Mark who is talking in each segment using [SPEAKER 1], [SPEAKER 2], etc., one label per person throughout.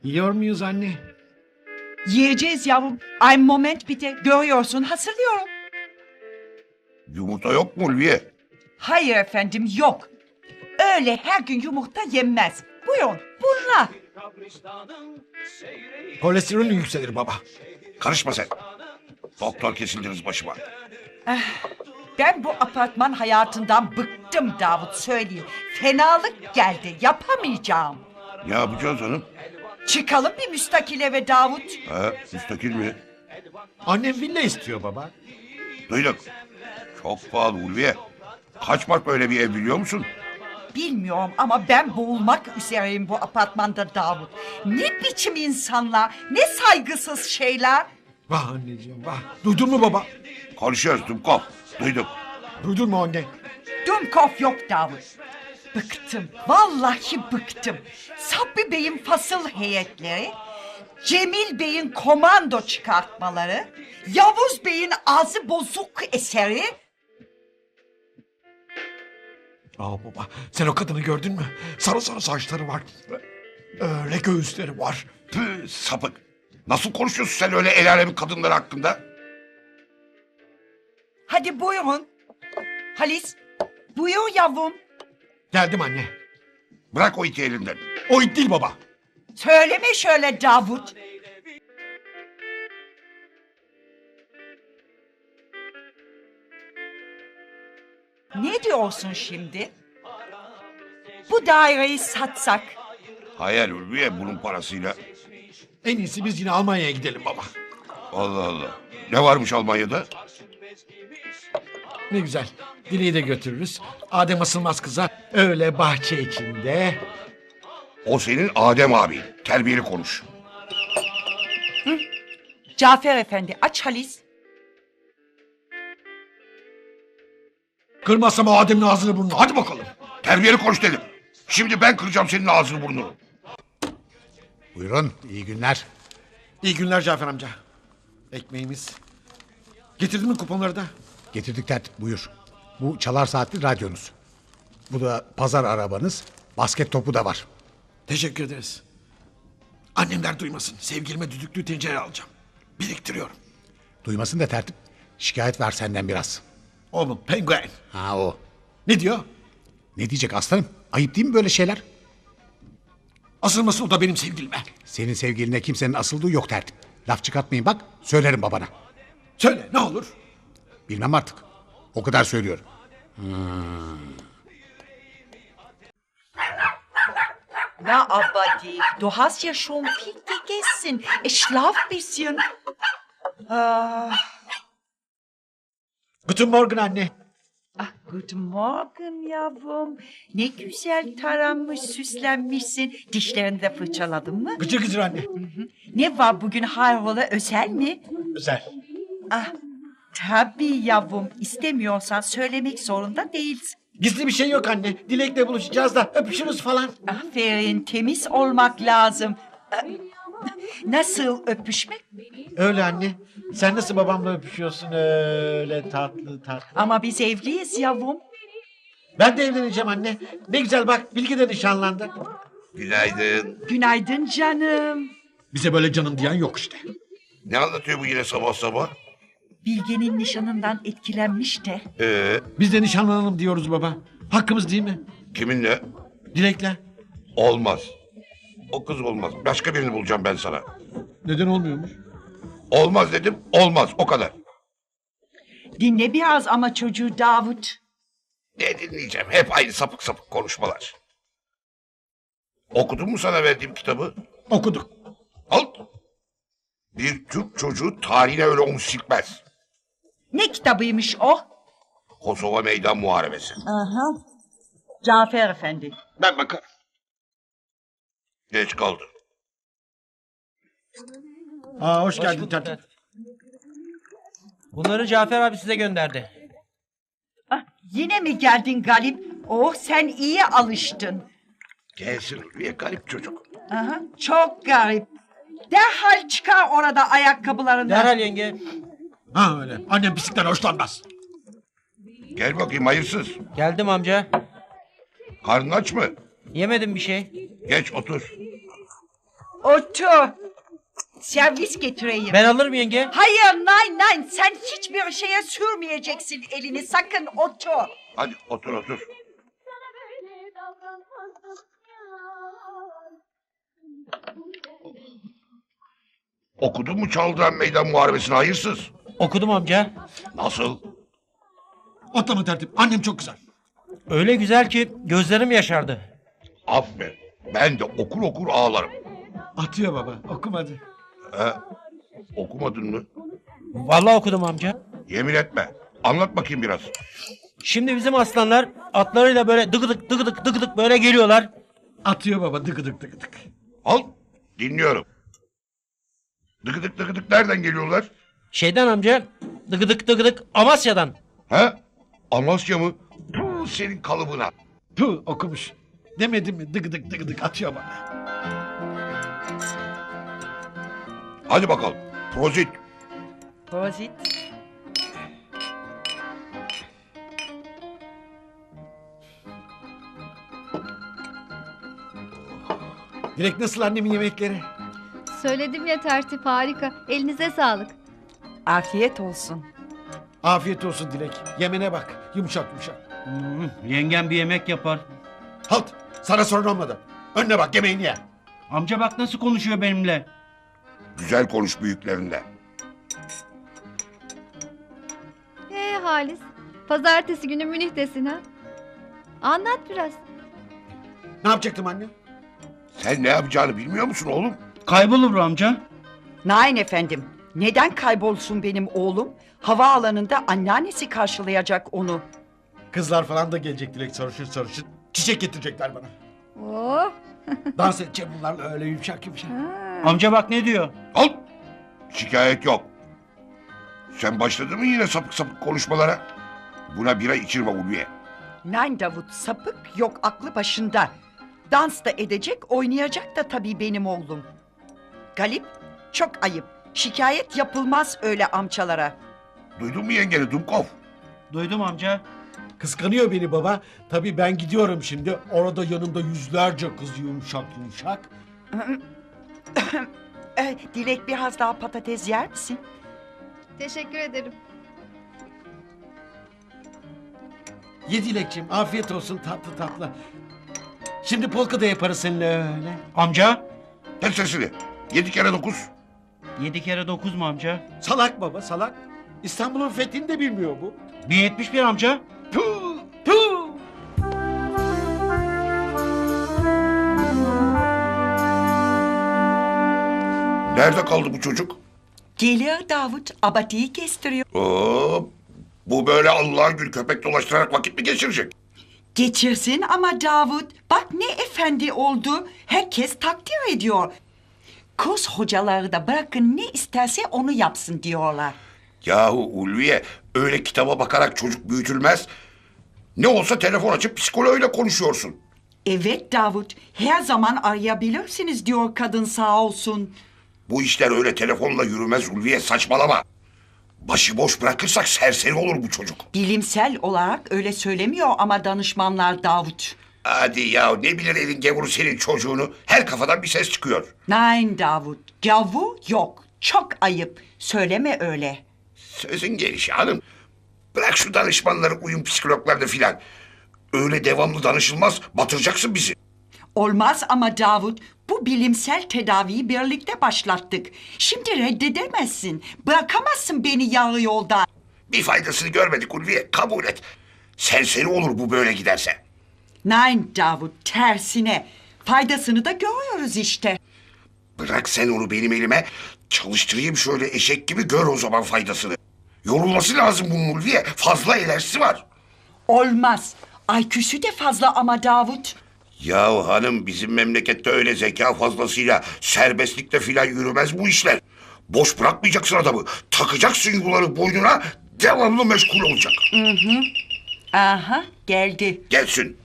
[SPEAKER 1] Yiyor muyuz anne?
[SPEAKER 2] Yiyeceğiz yavrum. Ay moment bir de görüyorsun hazırlıyorum.
[SPEAKER 3] Yumurta yok mu Ulviye?
[SPEAKER 2] Hayır efendim yok. Öyle her gün yumurta yenmez. Buyurun bunlar.
[SPEAKER 1] Kolesterolün yükselir baba.
[SPEAKER 3] Karışma sen. Doktor kesildiniz başıma.
[SPEAKER 2] Ben bu apartman hayatından bıktım Davut söyleyeyim. Fenalık geldi yapamayacağım.
[SPEAKER 3] Ne yapacağız hanım?
[SPEAKER 2] Çıkalım bir müstakil eve Davut.
[SPEAKER 3] Müstakil mi?
[SPEAKER 1] Annem villa istiyor baba.
[SPEAKER 3] Duyduk. Çok pahalı Ulviye. Kaç mark böyle bir ev biliyor musun?
[SPEAKER 2] Bilmiyorum ama ben boğulmak üzereyim bu apartmanda Davut. Ne biçim insanlar, ne saygısız şeyler.
[SPEAKER 1] Vah anneciğim vah. Duydun mu baba?
[SPEAKER 3] Konuşuyoruz Dumkov. Duyduk.
[SPEAKER 1] Duydun mu anne?
[SPEAKER 2] Dumkov yok Davut. Bıktım, vallahi bıktım. Sabri Bey'in fasıl heyetleri, Cemil Bey'in komando çıkartmaları, Yavuz Bey'in ağzı bozuk eseri.
[SPEAKER 1] Aa baba sen o kadını gördün mü? Sarı sarı saçları var. Öyle göğüsleri var.
[SPEAKER 3] Püh, sapık. Nasıl konuşuyorsun sen öyle el alemin kadınları hakkında?
[SPEAKER 2] Hadi buyurun. Halis, buyur yavrum.
[SPEAKER 1] Geldim anne.
[SPEAKER 3] Bırak o iki elinden.
[SPEAKER 1] O it değil baba.
[SPEAKER 2] Söyleme şöyle Davut. Ne diyorsun şimdi? Bu daireyi satsak.
[SPEAKER 3] Hayal Ulviye bunun parasıyla.
[SPEAKER 1] En iyisi biz yine Almanya'ya gidelim baba.
[SPEAKER 3] Allah Allah. Ne varmış Almanya'da?
[SPEAKER 1] Ne güzel. Dileği de götürürüz. Adem asılmaz kıza. Öyle bahçe içinde.
[SPEAKER 3] O senin Adem abin. Terbiyeli konuş.
[SPEAKER 2] Cafer Efendi aç Halis.
[SPEAKER 1] Kırmazsam o Adem'in ağzını burnunu. Hadi bakalım.
[SPEAKER 3] Terbiyeli konuş dedim. Şimdi ben kıracağım senin ağzını burnunu.
[SPEAKER 4] Buyurun, iyi günler.
[SPEAKER 1] İyi günler Cafer amca. Ekmeğimiz. Getirdin mi kuponları da?
[SPEAKER 4] Getirdik tertip, buyur. Bu çalar saatli radyonuz. Bu da pazar arabanız. Basket topu da var.
[SPEAKER 1] Teşekkür ederiz. Annemler duymasın. Sevgilime düdüklü tencere alacağım. Biriktiriyorum.
[SPEAKER 4] Duymasın da tertip. Şikayet var senden biraz.
[SPEAKER 1] Oğlum penguen.
[SPEAKER 4] Ha o.
[SPEAKER 1] Ne diyor?
[SPEAKER 4] Ne diyecek aslanım? Ayıp değil mi böyle şeyler?
[SPEAKER 1] Asılması o da benim sevgilime.
[SPEAKER 4] Senin sevgiline kimsenin asıldığı yok tertip. Laf çıkartmayın bak, söylerim babana.
[SPEAKER 1] Söyle ne olur.
[SPEAKER 4] Bilmem artık. O kadar söylüyorum.
[SPEAKER 2] Na aber die, du hast ja schon viel gegessen. Schlaf bisschen.
[SPEAKER 1] Guten Morgen anne.
[SPEAKER 2] Ah, guten Morgen yavrum. Ne güzel taranmış, süslenmişsin. Dişlerini de fırçaladın mı?
[SPEAKER 1] Gıcır gıcır anne.
[SPEAKER 2] Ne var bugün hayrola özel mi?
[SPEAKER 1] Güzel.
[SPEAKER 2] Ah, tabii yavrum. İstemiyorsan söylemek zorunda değilsin.
[SPEAKER 1] Gizli bir şey yok anne. Dilek'le buluşacağız da öpüşürüz falan.
[SPEAKER 2] Aferin, temiz olmak lazım. Nasıl öpüşmek?
[SPEAKER 1] Öyle anne. Sen nasıl babamla öpüşüyorsun öyle tatlı tatlı.
[SPEAKER 2] Ama biz evliyiz yavrum.
[SPEAKER 1] Ben de evleneceğim anne. Ne güzel bak Bilge de nişanlandı.
[SPEAKER 3] Günaydın.
[SPEAKER 2] Günaydın canım.
[SPEAKER 1] Bize böyle canım diyen yok işte.
[SPEAKER 3] Ne anlatıyor bu yine sabah sabah?
[SPEAKER 2] Bilge'nin nişanından etkilenmiş de.
[SPEAKER 1] Biz de nişanlanalım diyoruz baba. Hakkımız değil mi?
[SPEAKER 3] Kiminle?
[SPEAKER 1] Dilek'le.
[SPEAKER 3] Olmaz. O kız olmaz. Başka birini bulacağım ben sana.
[SPEAKER 1] Neden olmuyormuş?
[SPEAKER 3] Olmaz dedim. Olmaz. O kadar.
[SPEAKER 2] Dinle biraz ama çocuğu Davut.
[SPEAKER 3] Ne dinleyeceğim? Hep aynı sapık sapık konuşmalar. Okudun mu sana verdiğim kitabı?
[SPEAKER 1] Okuduk.
[SPEAKER 3] Al. Bir Türk çocuğu tarihine öyle omuz silkmez.
[SPEAKER 2] Ne kitabıymış o?
[SPEAKER 3] Kosova Meydan Muharebesi.
[SPEAKER 2] Aha. Cafer Efendi.
[SPEAKER 1] Ben bakarım.
[SPEAKER 3] Geç kaldı.
[SPEAKER 1] Aa, hoş geldin tertip.
[SPEAKER 5] Bunları Cafer abi size gönderdi.
[SPEAKER 2] Ah, yine mi geldin Galip? Oh sen iyi alıştın.
[SPEAKER 3] Gelsin Ulviye garip çocuk.
[SPEAKER 2] Aha, çok garip. Derhal çıkar orada ayakkabılarını.
[SPEAKER 5] Derhal yenge.
[SPEAKER 1] Ha öyle. Annem pislikten hoşlanmaz.
[SPEAKER 3] Gel bakayım hayırsız.
[SPEAKER 5] Geldim amca.
[SPEAKER 3] Karnın aç mı?
[SPEAKER 5] Yemedim bir şey.
[SPEAKER 3] Geç otur.
[SPEAKER 2] Otur. Servis getireyim.
[SPEAKER 5] Ben alırım yenge.
[SPEAKER 2] Hayır, nein. Sen hiçbir şeye sürmeyeceksin elini. Sakın otur.
[SPEAKER 3] Hadi otur otur. Okudun mu Çağlayan Meydan Muharebesi'ni hayırsız?
[SPEAKER 5] Okudum amca.
[SPEAKER 3] Nasıl?
[SPEAKER 1] Atlama tertip. Annem çok güzel.
[SPEAKER 5] Öyle güzel ki gözlerim yaşardı.
[SPEAKER 3] Aferin. Ben de okur okur ağlarım.
[SPEAKER 1] Atıyor baba. Okumadı.
[SPEAKER 3] Okumadın mı?
[SPEAKER 5] Vallahi okudum amca.
[SPEAKER 3] Yemin etme. Anlat bakayım biraz.
[SPEAKER 5] Şimdi bizim aslanlar atlarıyla böyle dıgıdık dıgıdık dıgıdık böyle geliyorlar.
[SPEAKER 1] Atıyor baba. Dıgıdık dıgıdık.
[SPEAKER 3] Al. Dinliyorum. Dıgıdık dıgıdık nereden geliyorlar?
[SPEAKER 5] Şeyden amca dıgıdık dıgıdık Amasya'dan.
[SPEAKER 3] He? Amasya mı? Puh, senin kalıbına.
[SPEAKER 1] Puh, okumuş. Demedim mi? Dıgıdık dıgıdık atıyor bana.
[SPEAKER 3] Hadi bakalım. Prozit.
[SPEAKER 2] Prosit.
[SPEAKER 1] Dilek nasıl annemin yemekleri?
[SPEAKER 6] Söyledim ya tertip harika. Elinize sağlık.
[SPEAKER 2] Afiyet olsun.
[SPEAKER 1] Afiyet olsun Dilek. Yemene bak. Yumuşak yumuşak.
[SPEAKER 7] Yengem bir yemek yapar.
[SPEAKER 1] Halt. Sana sorun olmadı. Önüne bak yemeğini ye.
[SPEAKER 7] Amca bak nasıl konuşuyor benimle.
[SPEAKER 3] Güzel konuş büyüklerinde.
[SPEAKER 6] Halis. Pazartesi günü Münih'tesin ha. Anlat biraz.
[SPEAKER 1] Ne yapacaktım anne?
[SPEAKER 3] Sen ne yapacağını bilmiyor musun oğlum?
[SPEAKER 7] Kaybolur amca.
[SPEAKER 2] Nein efendim. Neden kaybolsun benim oğlum? Havaalanında anneannesi karşılayacak onu.
[SPEAKER 1] Kızlar falan da gelecek Dilek sarışın sarışın. Çiçek getirecekler bana.
[SPEAKER 6] Oh.
[SPEAKER 1] Dans edeceğim bunlarla öyle yumuşak yumuşak.
[SPEAKER 7] Amca bak ne diyor.
[SPEAKER 3] Al. Şikayet yok. Sen başladın mı yine sapık sapık konuşmalara? Buna bira içirme Ulviye.
[SPEAKER 2] Nein Davut, sapık yok, aklı başında. Dans da edecek, oynayacak da tabii benim oğlum. Galip, çok ayıp. Şikayet yapılmaz öyle amcalara.
[SPEAKER 3] Duydun mu yengeni Dumkov?
[SPEAKER 7] Duydum amca.
[SPEAKER 1] Kıskanıyor beni baba. Tabii ben gidiyorum şimdi. Orada yanımda yüzlerce kız yumuşak yumuşak.
[SPEAKER 2] Dilek biraz daha patates yer misin?
[SPEAKER 6] Teşekkür ederim.
[SPEAKER 1] Ye Dilekciğim afiyet olsun tatlı tatlı. Şimdi polka da yaparız seninle öyle.
[SPEAKER 7] Amca.
[SPEAKER 3] Kes sesini. 7 kere 9.
[SPEAKER 7] 7 kere 9 mu amca?
[SPEAKER 1] Salak baba salak. İstanbul'un fethini de bilmiyor bu.
[SPEAKER 7] 1071 amca.
[SPEAKER 1] Puh, puh.
[SPEAKER 3] Nerede kaldı bu çocuk?
[SPEAKER 2] Geliyor Davut, abatiyi kestiriyor.
[SPEAKER 3] Oo, bu böyle Allah'ın gül köpek dolaştırarak vakit mi geçirecek?
[SPEAKER 2] Geçirsin ama Davut, bak ne efendi oldu. Herkes takdir ediyor. Kurs hocaları da bırakın ne isterse onu yapsın diyorlar.
[SPEAKER 3] Yahu Ulviye öyle kitaba bakarak çocuk büyütülmez. Ne olsa telefon açıp psikoloğuyla konuşuyorsun.
[SPEAKER 2] Evet Davut, her zaman arayabilirsiniz diyor kadın sağ olsun.
[SPEAKER 3] Bu işler öyle telefonla yürümez Ulviye saçmalama. Başıboş bırakırsak serseri olur bu çocuk.
[SPEAKER 2] Bilimsel olarak öyle söylemiyor ama danışmanlar Davut.
[SPEAKER 3] Hadi ya ne bilir elin gavuru senin çocuğunu. Her kafadan bir ses çıkıyor.
[SPEAKER 2] Nein Davut, gavur yok. Çok ayıp. Söyleme öyle.
[SPEAKER 3] Sözün gelişi hanım. Bırak şu danışmanları uyum psikologlarını filan. Öyle devamlı danışılmaz batıracaksın bizi.
[SPEAKER 2] Olmaz ama Davut, bu bilimsel tedaviyi birlikte başlattık. Şimdi reddedemezsin. Bırakamazsın beni yarı yolda.
[SPEAKER 3] Bir faydasını görmedik Ulviye kabul et. Serseri olur bu böyle giderse.
[SPEAKER 2] Nein Davut, tersine. Faydasını da görüyoruz işte.
[SPEAKER 3] Bırak sen onu benim elime. Çalıştırayım şöyle eşek gibi gör o zaman faydasını. Yorulması lazım bunun Ulviye. Fazla enerjisi var.
[SPEAKER 2] Olmaz. IQ'su de fazla ama Davut.
[SPEAKER 3] Ya hanım bizim memlekette öyle zeka fazlasıyla serbestlikle filan yürümez bu işler. Boş bırakmayacaksın adamı. Takacaksın yuları boynuna devamlı meşgul olacak.
[SPEAKER 2] Aha, geldi.
[SPEAKER 3] Gelsin.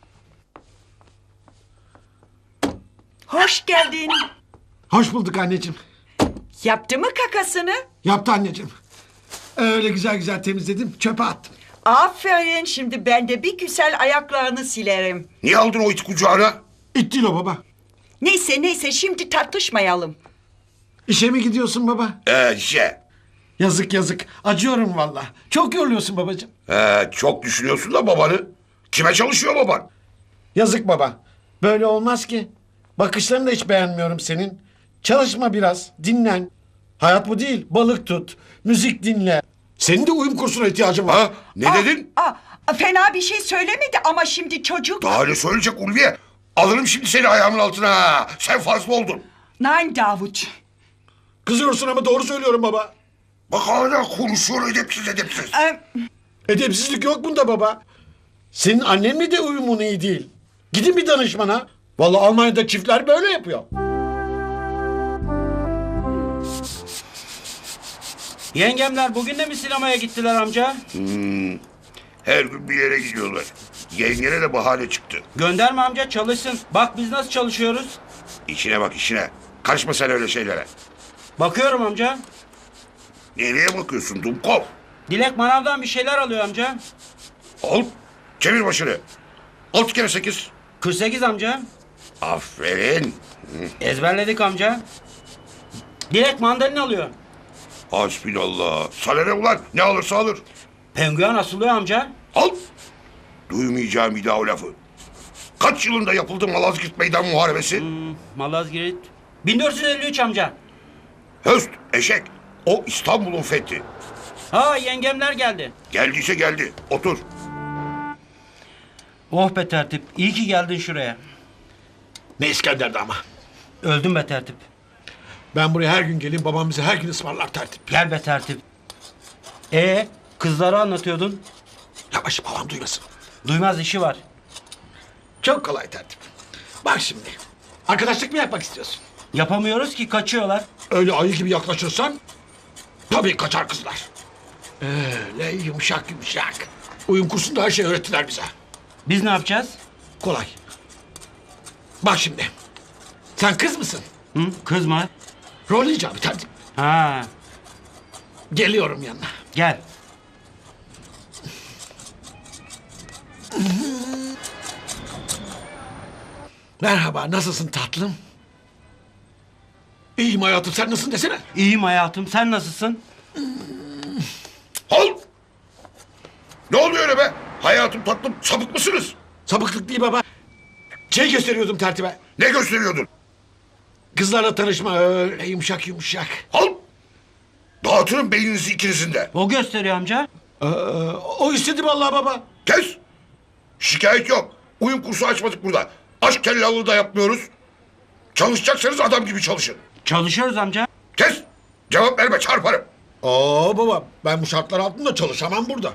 [SPEAKER 2] Hoş geldin.
[SPEAKER 1] Hoş bulduk anneciğim.
[SPEAKER 2] Yaptı mı kakasını?
[SPEAKER 1] Yaptı anneciğim. Öyle güzel güzel temizledim çöpe attım.
[SPEAKER 2] Aferin, şimdi ben de bir güzel ayaklarını silerim.
[SPEAKER 3] Niye aldın o iti kucağına?
[SPEAKER 1] İt değil o baba.
[SPEAKER 2] Neyse şimdi tartışmayalım.
[SPEAKER 1] İşe mi gidiyorsun baba? Yazık yazık. Acıyorum valla. Çok yoruluyorsun babacığım.
[SPEAKER 3] Çok düşünüyorsun da babanı. Kime çalışıyor baban?
[SPEAKER 1] Yazık baba. Böyle olmaz ki. Bakışlarını da hiç beğenmiyorum senin. Çalışma biraz. Dinlen. Hayat bu değil. Balık tut. Müzik dinle. Senin de uyum kursuna ihtiyacın var.
[SPEAKER 3] Ha? Ne dedin?
[SPEAKER 2] Fena bir şey söylemedi ama şimdi çocuk...
[SPEAKER 3] Daha ne söyleyecek Ulviye? Alırım şimdi seni ayağımın altına. Ha. Sen fazla oldun.
[SPEAKER 2] Nein Davut.
[SPEAKER 1] Kızıyorsun ama doğru söylüyorum baba.
[SPEAKER 3] Bak hala konuşuyor edepsiz.
[SPEAKER 1] Edepsizlik yok bunda baba. Senin annenle de uyumun iyi değil. Gidin bir danışmana. Vallahi Almanya'da çiftler böyle yapıyor.
[SPEAKER 7] Yengemler bugün de mi sinemaya gittiler amca?
[SPEAKER 3] Her gün bir yere gidiyorlar. Yengene de bahane çıktı.
[SPEAKER 7] Gönderme amca çalışsın. Bak biz nasıl çalışıyoruz.
[SPEAKER 3] İşine bak işine. Karışma sen öyle şeylere.
[SPEAKER 7] Bakıyorum amca.
[SPEAKER 3] Nereye bakıyorsun Dumkov?
[SPEAKER 7] Dilek manavdan bir şeyler alıyor amca.
[SPEAKER 3] Al. Çevir başını. 6 kere 8.
[SPEAKER 7] 48 amca.
[SPEAKER 3] Aferin.
[SPEAKER 7] Ezberledik amca. Dilek mandalina alıyor.
[SPEAKER 3] Hasbinallah. Sana ne ulan? Ne alırsa alır.
[SPEAKER 7] Penguen asılıyor amca.
[SPEAKER 3] Al. Duymayacağım bir daha o lafı. Kaç yılında yapıldı Malazgirt Meydan Muharebesi?
[SPEAKER 7] Malazgirt. 1453 amca.
[SPEAKER 3] Höst, eşek. O İstanbul'un fethi.
[SPEAKER 7] Ha yengemler geldi.
[SPEAKER 3] Geldiyse geldi. Otur.
[SPEAKER 7] Oh be tertip. İyi ki geldin şuraya.
[SPEAKER 1] Ne İskender'di ama.
[SPEAKER 7] Öldüm be tertip.
[SPEAKER 1] Ben buraya her gün geleyim, babam bize her gün ısmarlar tertip.
[SPEAKER 7] Gel be tertip. Kızları anlatıyordun.
[SPEAKER 1] Yavaş, babam duymasın.
[SPEAKER 7] Duymaz işi var.
[SPEAKER 1] Çok kolay tertip. Bak şimdi. Arkadaşlık mı yapmak istiyorsun?
[SPEAKER 7] Yapamıyoruz ki kaçıyorlar.
[SPEAKER 1] Öyle ayı gibi yaklaşırsan tabii kaçar kızlar. Öyle yumuşak yumuşak. Uyum kursunda her şeyi öğrettiler bize.
[SPEAKER 7] Biz ne yapacağız?
[SPEAKER 1] Kolay. Bak şimdi. Sen kız mısın?
[SPEAKER 7] Hı? Kız mı?
[SPEAKER 1] Rol icabı tertip.
[SPEAKER 7] Ha,
[SPEAKER 1] Geliyorum yanına.
[SPEAKER 7] gel.
[SPEAKER 1] Merhaba, nasılsın tatlım? İyiyim hayatım, sen nasılsın desene.
[SPEAKER 7] İyiyim hayatım. Sen nasılsın?
[SPEAKER 3] Al. Ne oluyor öyle be? Hayatım tatlım sapık mısınız?
[SPEAKER 1] Sapıklık değil baba. Şey gösteriyordum tertibe.
[SPEAKER 3] Ne gösteriyordun?
[SPEAKER 1] Kızlarla tanışma öyle yumuşak yumuşak.
[SPEAKER 3] Al. Dağıtırım beyninizi ikinizin de.
[SPEAKER 7] O gösteriyor amca.
[SPEAKER 1] O istedi vallahi baba.
[SPEAKER 3] Kes. Şikayet yok. Uyum kursu açmadık burada. Aşk tellallığı da yapmıyoruz. Çalışacaksanız adam gibi çalışın.
[SPEAKER 7] Çalışıyoruz amca.
[SPEAKER 3] Kes. Cevap verme çarparım.
[SPEAKER 1] Baba ben bu şartlar altında çalışamam burada.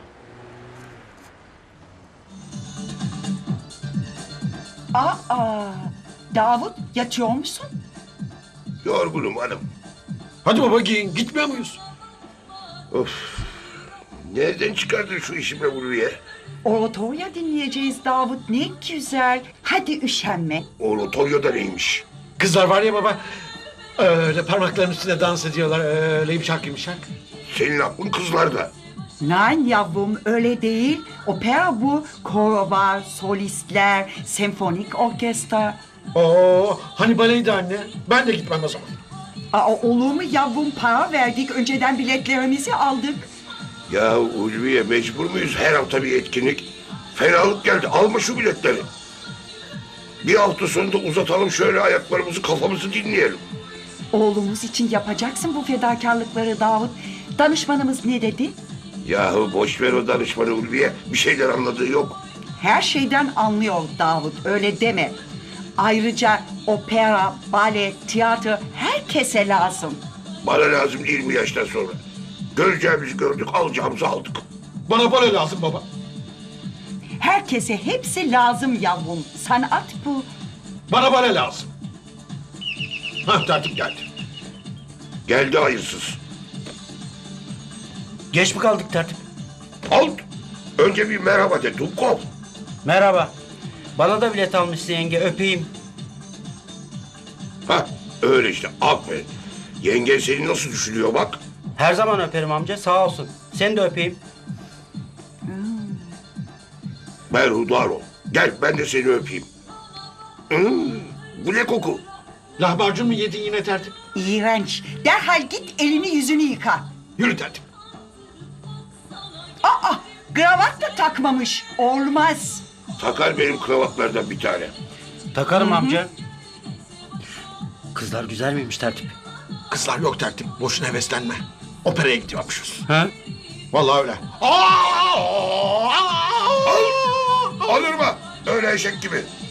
[SPEAKER 2] Davut yatıyor musun?
[SPEAKER 3] Yorgunum hanım.
[SPEAKER 1] Hadi baba giyin, gitmiyor muyuz?
[SPEAKER 3] Nereden çıkardın şu işi be Ulviye?
[SPEAKER 2] Oratoria dinleyeceğiz Davut, ne güzel. Hadi üşenme.
[SPEAKER 3] Oratorio neymiş?
[SPEAKER 1] Kızlar var ya baba. Öyle parmaklarının üstünde dans ediyorlar. Öyle yumuşak yumuşak.
[SPEAKER 3] Senin aklın kızlarda.
[SPEAKER 2] Nein yavrum öyle değil. Opera bu. Koro var, solistler, senfonik orkestra.
[SPEAKER 1] Hani baleydi anne. Ben de gitmem o zaman.
[SPEAKER 2] Olur mu yavrum, para verdik. Önceden biletlerimizi aldık.
[SPEAKER 3] Ya Ulviye mecbur muyuz her hafta bir etkinlik? Fenalık geldi. Alma şu biletleri. Bir hafta sonunda uzatalım şöyle ayaklarımızı kafamızı dinleyelim.
[SPEAKER 2] Oğlumuz için yapacaksın bu fedakarlıkları Davut. Danışmanımız ne dedi?
[SPEAKER 3] Yahu boş ver o danışmanı Ulviye. Bir şeyler anladığı yok.
[SPEAKER 2] Her şeyden anlıyor Davut, öyle deme. Ayrıca opera, bale, tiyatro herkese lazım.
[SPEAKER 3] Bana lazım değil mi yaştan sonra? Göreceğimizi gördük, alacağımızı aldık.
[SPEAKER 1] Bana bale lazım baba.
[SPEAKER 2] Herkese hepsi lazım yavrum. Sanat bu.
[SPEAKER 1] Bana bale lazım. Tertip geldi.
[SPEAKER 3] Geldi hayırsız.
[SPEAKER 7] Geç mi kaldık tertip?
[SPEAKER 3] Al. Önce bir merhaba de Dumkov.
[SPEAKER 7] Merhaba. Bana da bilet almışsın yenge. Öpeyim.
[SPEAKER 3] Hah öyle işte aferin. Yengen seni nasıl düşünüyor bak.
[SPEAKER 7] Her zaman öperim amca. Sağ olsun. Seni de öpeyim.
[SPEAKER 3] Berhudar ol. Gel ben de seni öpeyim. Bu ne koku?
[SPEAKER 1] Lahmacun mu yedin yine tertip?
[SPEAKER 2] İğrenç. Derhal git elini yüzünü yıka.
[SPEAKER 1] Yürü tertip.
[SPEAKER 2] Aa, kravat da takmamış. Olmaz.
[SPEAKER 3] Takar benim kravatlardan bir tane.
[SPEAKER 7] Takarım amca. Kızlar güzel miymiş tertip?
[SPEAKER 1] Kızlar yok tertip. Boşuna heveslenme. Operaya gidiyormuşuz.
[SPEAKER 7] Ha?
[SPEAKER 1] Vallahi öyle.
[SPEAKER 3] Alırma öyle eşek gibi.